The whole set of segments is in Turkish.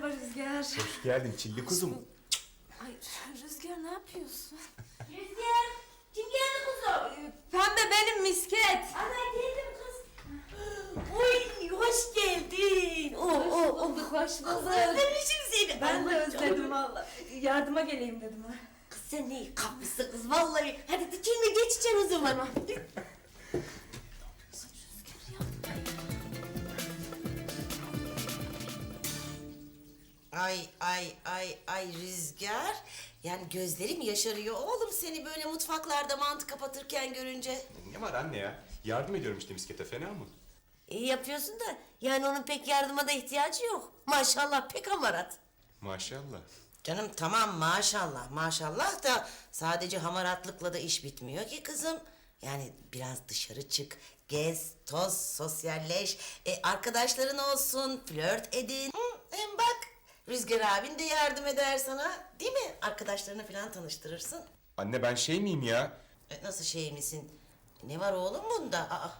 Merhaba Rüzgar. Hoş geldin çilli kuzum. Ay Rüzgar ne yapıyorsun? Rüzgar, kim geldi kuzum? Pembe benim misket. Ana geldim kız. Oy, hoş geldin. Hoş bulduk. Özlemişim seni. Ben de Allah özledim canım. valla. Yardıma geleyim dedim ha. Kız sen ne iyi kapmışsın kız vallahi. Hadi dikilme geçeceğim o zaman. Ay Rüzgar. Yani gözlerim yaşarıyor oğlum seni böyle mutfaklarda mantı kapatırken görünce. Ne var anne ya? Yardım ediyorum işte miskete, fena mı? İyi yapıyorsun da yani onun pek yardıma da ihtiyacı yok. Maşallah pek hamarat. Maşallah. Canım tamam maşallah maşallah da sadece hamaratlıkla da iş bitmiyor ki kızım. Yani biraz dışarı çık, gez, toz, sosyalleş, arkadaşların olsun, flört edin. Hem bak Rüzgar abin de yardım eder sana değil mi? Arkadaşlarını falan tanıştırırsın. Anne ben şey miyim ya? Nasıl şey misin? Ne var oğlum bunda? Aa.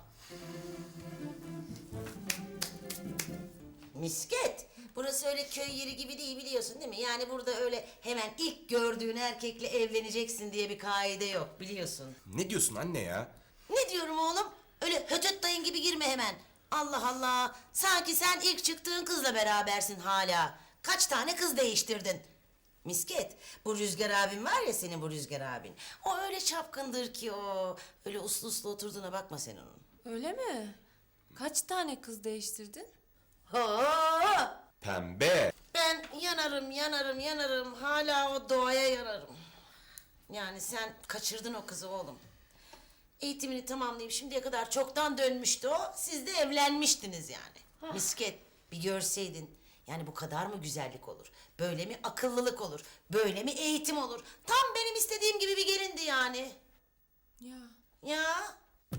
Misket. Burası öyle köy yeri gibi değil biliyorsun değil mi? Yani burada öyle hemen ilk gördüğün erkekle evleneceksin diye bir kaide yok biliyorsun. Ne diyorsun anne ya? Ne diyorum oğlum? Öyle hötöt dayın gibi girme hemen. Allah Allah. Sanki sen ilk çıktığın kızla berabersin hala. Kaç tane kız değiştirdin? Misket, bu Rüzgar abin var ya senin bu Rüzgar abin. O öyle çapkındır ki o. Öyle uslu uslu oturduğuna bakma sen onun. Öyle mi? Kaç tane kız değiştirdin? Ho! Pembe. Ben yanarım. Hala o doğaya yanarım. Yani sen kaçırdın o kızı oğlum. Eğitimini tamamlayıp şimdiye kadar çoktan dönmüştü o. Siz de evlenmiştiniz yani. Misket bir görseydin. Yani bu kadar mı güzellik olur? Böyle mi akıllılık olur? Böyle mi eğitim olur? Tam benim istediğim gibi bir gelindi yani. Ya. Ya.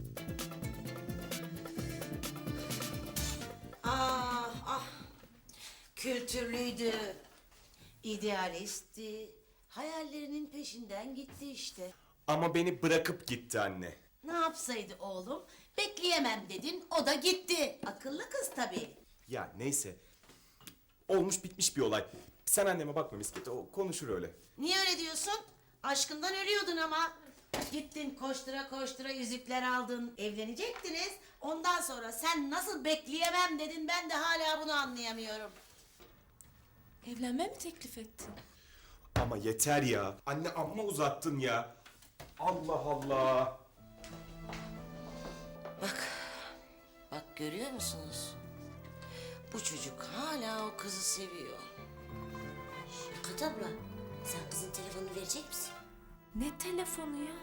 Ah. Kültürlüydü. İdealistti. Hayallerinin peşinden gitti işte. Ama beni bırakıp gitti anne. Ne yapsaydı oğlum? Bekleyemem dedin, o da gitti. Akıllı kız tabii. Ya neyse. Olmuş bitmiş bir olay. Sen anneme bakma miskete, o konuşur öyle. Niye öyle diyorsun? Aşkından ölüyordun ama. Gittin koştura koştura yüzükler aldın, evlenecektiniz. Ondan sonra sen nasıl bekleyemem dedin, ben de hala bunu anlayamıyorum. Evlenme mi teklif ettin? Ama yeter ya. Anne amma uzattın ya. Allah Allah. Bak görüyor musunuz? Bu çocuk hala o kızı seviyor. Kat abla, sen kızın telefonunu verecek misin? Ne telefonu ya?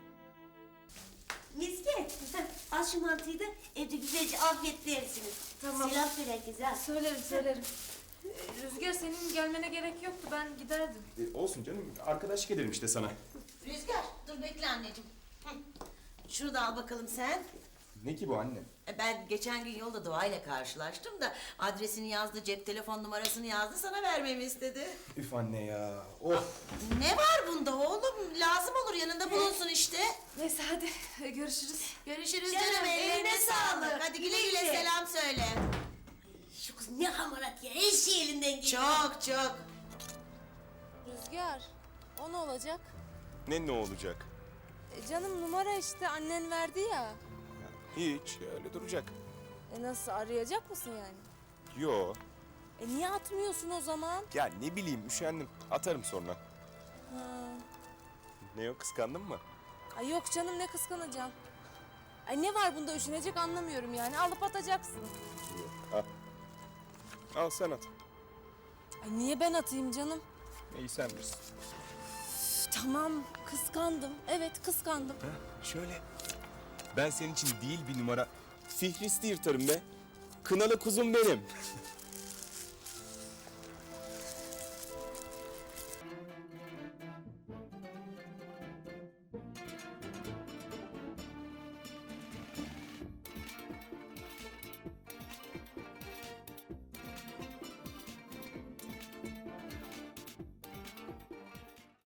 Misket, al şu mantıyı da evde güzelce afiyetle yersiniz. Tamam. Selam söyle herkese ha. Söylerim. Rüzgar senin gelmene gerek yoktu, ben giderdim. Olsun canım, arkadaşlık edelim işte sana. Rüzgar, dur bekle anneciğim. Hı. Şunu da al bakalım sen. Ne ki bu anne? Ben geçen gün yolda Doğa'yla karşılaştım da adresini yazdı, cep telefon numarasını yazdı, sana vermemi istedi. Üf anne ya. Of. Ne var bunda oğlum? Lazım olur yanında bulunsun işte. Neyse hadi görüşürüz. Görüşürüz Canım, canım, ellerine eline sağlık. sağlık. Hadi güle güle Güle. selam söyle. Şu kız ne hamarat ya, her şey elinden geliyor. Çok. Rüzgar, o ne olacak? Ne olacak? Canım numara işte annen verdi ya. Hiç, öyle duracak. Nasıl arayacak mısın yani? Yo. Niye atmıyorsun o zaman? Ya ne bileyim, üşendim. Atarım sonra. Ha. Ne o, kıskandın mı? Ay yok canım ne kıskanacağım. Ay ne var bunda üşenecek anlamıyorum yani alıp atacaksın. Al. Al sen at. Ay niye ben atayım canım? İyi sen bilirsin. Tamam kıskandım. Evet kıskandım. Şöyle. Ben senin için değil bir numara. Fihristi yırtarım be. Kınalı kuzum benim.